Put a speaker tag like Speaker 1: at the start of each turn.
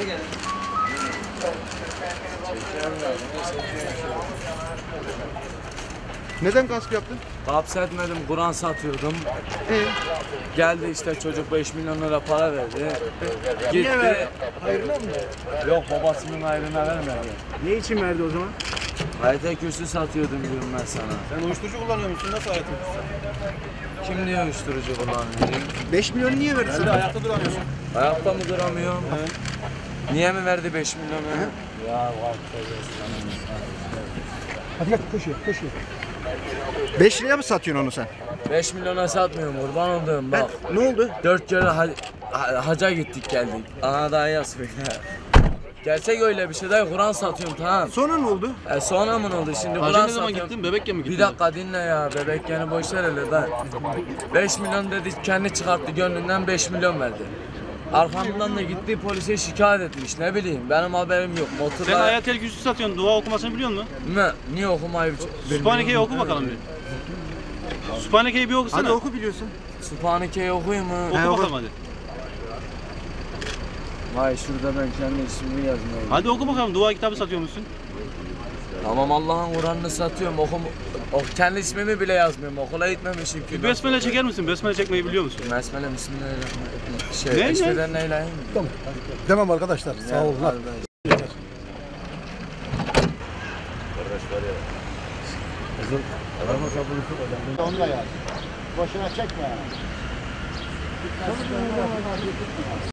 Speaker 1: Neden gasp yaptın?
Speaker 2: Gasp etmedim, Kur'an satıyordum. Geldi işte çocuk 5 milyon lira para verdi. Gitti.
Speaker 1: Hayırlı mı?
Speaker 2: Yok, babasının ayrına vermedi.
Speaker 1: Ne için verdi o zaman?
Speaker 2: Hayata kürsü satıyordum diyorum ben sana.
Speaker 1: Sen uyuşturucu kullanıyor musun? Nasıl hayatın?
Speaker 2: Kim diyor uyuşturucu kullanıyor?
Speaker 1: 5 milyon niye verdi sana?
Speaker 3: Ayakta duramıyorsun.
Speaker 2: Ayakta mı duramıyorum? Niye mi verdi 5 milyonu? Ya var.
Speaker 1: Hadi gel koşuyor, koşuyor. 5 liraya mı satıyorsun onu sen?
Speaker 2: 5 milyona satmıyorum, kurban olduğum bak.
Speaker 1: Ne oldu?
Speaker 2: 4 kere haca gittik geldik. Ana daha yaz böyle. Gerçek öyle bir şey değil, Kur'an satıyorum tamam.
Speaker 1: Sonra ne oldu?
Speaker 2: Sonra mı ne oldu şimdi
Speaker 3: Hacı
Speaker 2: Kur'an
Speaker 3: ne zaman
Speaker 2: satıyorum.
Speaker 3: gittin? Bebekken mi gittin?
Speaker 2: Bir dakika dinle ya, bebek yani boş ver hele ben. 5 milyon dedi, kendi çıkarttı gönlünden 5 milyon verdi. Arkamdan da gitti polise şikayet etmiş, ne bileyim benim haberim yok.
Speaker 3: Sen
Speaker 2: Motorla...
Speaker 3: Ayatel Kürsü satıyorsun. Dua okumasını biliyor musun?
Speaker 2: Ne? Niye okumayı
Speaker 3: Sübhaneke'yi oku bakalım bir. Sübhaneke'yi bir okusana.
Speaker 1: Hadi oku biliyorsun.
Speaker 2: Sübhaneke'yi okuyayım mı?
Speaker 3: Oku bakalım hadi.
Speaker 2: Vay şurada ben kendi ismimi yazmayayım.
Speaker 3: Hadi oku bakalım. Dua kitabı satıyor musun?
Speaker 2: Tamam Allah'ın Kur'an'ını satıyorum. Kendi ismimi bile yazmıyorum. Okula gitmemişim ki.
Speaker 3: Besmele çeker misin? Besmele çekmeyi biliyor musun?
Speaker 2: Besmele bismillahirrahmanirrahim.
Speaker 3: Ne?
Speaker 2: Eşveden neyleyim?
Speaker 1: Tamam. Demem arkadaşlar. Sağ olun.
Speaker 4: Onu da yaz. Boşuna çekme yani.